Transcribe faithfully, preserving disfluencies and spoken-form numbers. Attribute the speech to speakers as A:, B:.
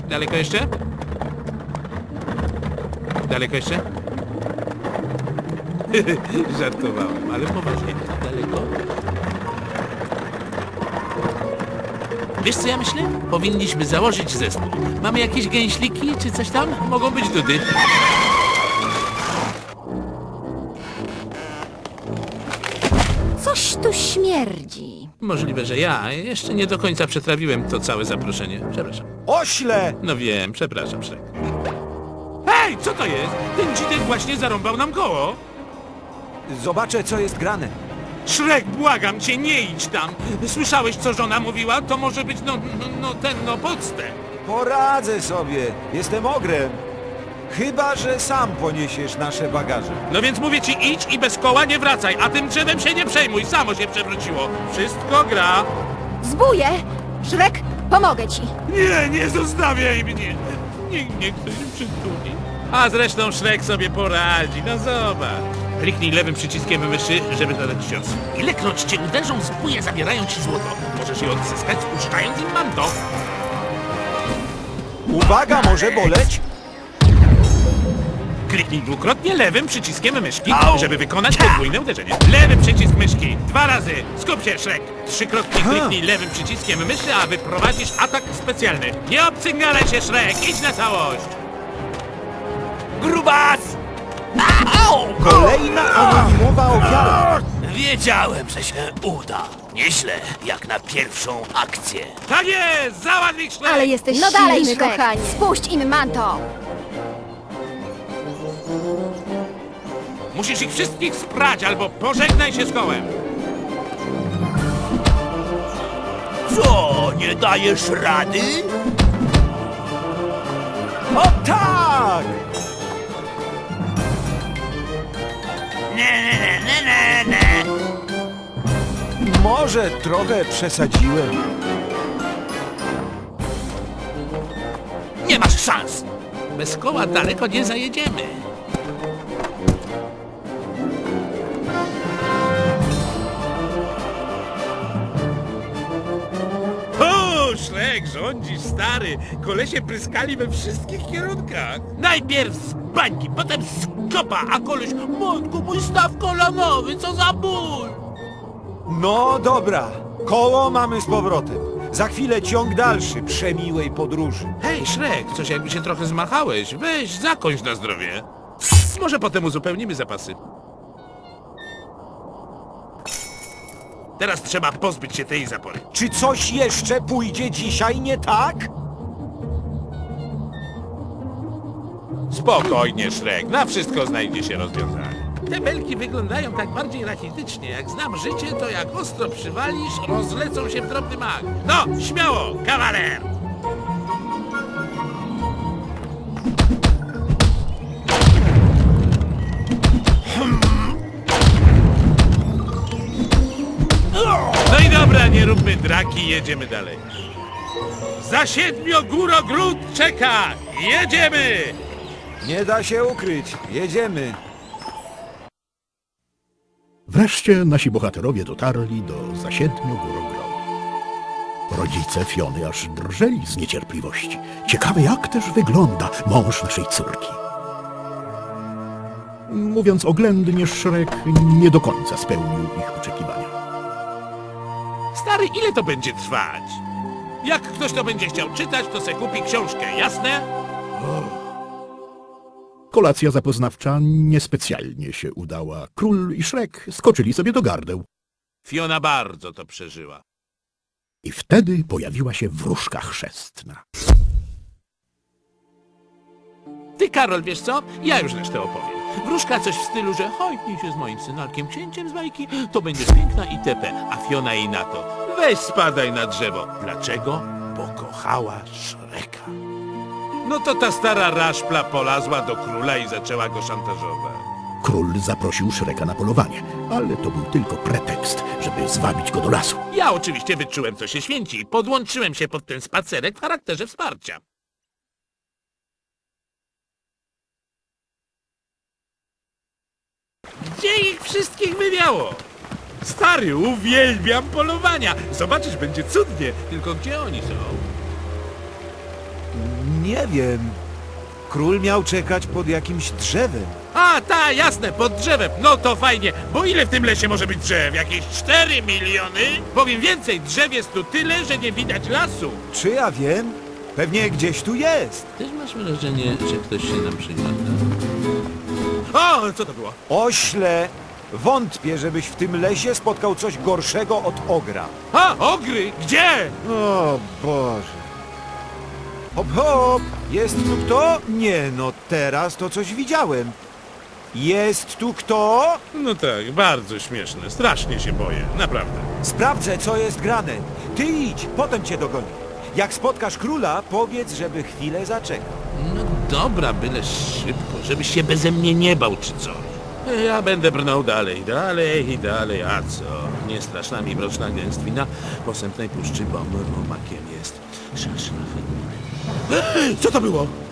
A: Daleko jeszcze? Daleko jeszcze? Żartowałem, ale poważnie. Daleko? Wiesz co ja myślę? Powinniśmy założyć zespół. Mamy jakieś gęśliki czy coś tam? Mogą być dudy.
B: Coś tu śmierdzi.
A: Możliwe, że ja jeszcze nie do końca przetrawiłem to całe zaproszenie. Przepraszam.
C: Ośle!
A: No wiem, przepraszam, Szrek. Hej, co to jest? Ten dzidek właśnie zarąbał nam koło.
C: Zobaczę, co jest grane.
A: Szrek, błagam cię, nie idź tam. Słyszałeś, co żona mówiła? To może być, no, no, no ten, no, podstęp.
C: Poradzę sobie. Jestem ogrem. Chyba że sam poniesiesz nasze bagaże.
A: No więc mówię ci, idź i bez koła nie wracaj, a tym drzewem się nie przejmuj, samo się przewróciło. Wszystko gra.
B: Zbuję! Szrek, pomogę ci.
A: Nie, nie zostawiaj mnie. Niech mnie ktoś przytuli. A zresztą Szrek sobie poradzi, no zobacz. Kliknij lewym przyciskiem myszy, żeby zadać cios. Ilekroć cię uderzą, zbóje zabierają ci złoto. Możesz je odzyskać, spuszczając im manto.
C: Uwaga, może boleć?
A: Kliknij dwukrotnie lewym przyciskiem myszki, żeby wykonać podwójne uderzenie. Lewy przycisk myszki. Dwa razy. Skup się, Szrek. Trzykrotnie kliknij lewym przyciskiem myszy, a wyprowadzisz atak specjalny. Nie obcygnalaj się, Szrek. Idź na całość. Grubas!
C: Kolejna anonimowa ofiara.
D: Wiedziałem, że się uda. Nieźle, jak na pierwszą akcję.
A: Tak jest! Załatw ich, Szrek!
B: Ale jesteś
E: No
B: silny,
E: dalej,
B: Szrek.
E: kochanie.
B: Spuść im manto.
A: Musisz ich wszystkich sprać, albo pożegnaj się z kołem.
D: Co, nie dajesz rady?
C: O tak!
D: Nie, nie, nie, nie, nie.
C: Może trochę przesadziłem.
A: Nie masz szans! Bez koła daleko nie zajedziemy. O, Szrek, rządzisz, stary. Kolesie pryskali we wszystkich kierunkach. Najpierw z bańki, potem z kopa, a koleś... Matku, mój staw kolonowy, co za ból!
C: No dobra, koło mamy z powrotem. Za chwilę ciąg dalszy przemiłej podróży.
A: Hej, Szrek, coś jakby się trochę zmachałeś. Weź, zakończ na zdrowie. Może potem uzupełnimy zapasy. Teraz trzeba pozbyć się tej zapory.
C: Czy coś jeszcze pójdzie dzisiaj nie tak?
A: Spokojnie, Szrek, na wszystko znajdzie się rozwiązanie. Te belki wyglądają tak bardziej rachitycznie. Jak znam życie, to jak ostro przywalisz, rozlecą się w drobny mak. No, śmiało, kawaler! No i dobra, nie róbmy draki, jedziemy dalej. Za siedmiogórogród czeka! Jedziemy!
C: Nie da się ukryć. Jedziemy.
F: Wreszcie nasi bohaterowie dotarli do zasiedmiu górogrodu. Rodzice Fiony aż drżeli z niecierpliwości. Ciekawe, jak też wygląda mąż naszej córki. Mówiąc oględnie, Szrek nie do końca spełnił ich oczekiwania.
A: Stary, ile to będzie trwać? Jak ktoś to będzie chciał czytać, to se kupi książkę, jasne?
F: Kolacja zapoznawcza niespecjalnie się udała. Król i Szrek skoczyli sobie do gardeł.
A: Fiona bardzo to przeżyła.
F: I wtedy pojawiła się wróżka chrzestna.
A: Ty, Karol, wiesz co? Ja już resztę opowiem. Wróżka coś w stylu, że hojtnij się z moim synalkiem księciem z bajki, to będziesz piękna itp. A Fiona jej na to. Weź spadaj na drzewo. Dlaczego? Bo kochała Szreka. No to ta stara raszpla polazła do króla i zaczęła go szantażować.
F: Król zaprosił Szreka na polowanie, ale to był tylko pretekst, żeby zwabić go do lasu.
A: Ja oczywiście wyczułem, co się święci i podłączyłem się pod ten spacerek w charakterze wsparcia. Gdzie ich wszystkich wywiało? Stary, uwielbiam polowania. Zobaczysz, będzie cudnie. Tylko gdzie oni są?
C: Nie wiem. Król miał czekać pod jakimś drzewem.
A: A, ta, jasne, pod drzewem. No to fajnie, bo ile w tym lesie może być drzew? Jakieś cztery miliony? Powiem więcej, drzew jest tu tyle, że nie widać lasu.
C: Czy ja wiem? Pewnie gdzieś tu jest.
A: Też masz wrażenie, że ktoś się nam przygląda? O, co to było?
C: Ośle! Wątpię, żebyś w tym lesie spotkał coś gorszego od ogra.
A: A, ogry, gdzie?
C: O Boże. Hop, hop! Jest tu kto? Nie, no teraz to coś widziałem. Jest tu kto?
A: No tak, bardzo śmieszne, strasznie się boję, naprawdę.
C: Sprawdzę, co jest grane. Ty idź, potem cię dogonię. Jak spotkasz króla, powiedz, żeby chwilę zaczekał.
A: No dobra, byle szybko, żebyś się beze mnie nie bał czy coś. Ja będę brnął dalej, dalej i dalej, a co? Nie straszna mi mroczna gęstwina posępnej puszczy, bo rumakiem jest szaszlafy. Co to było?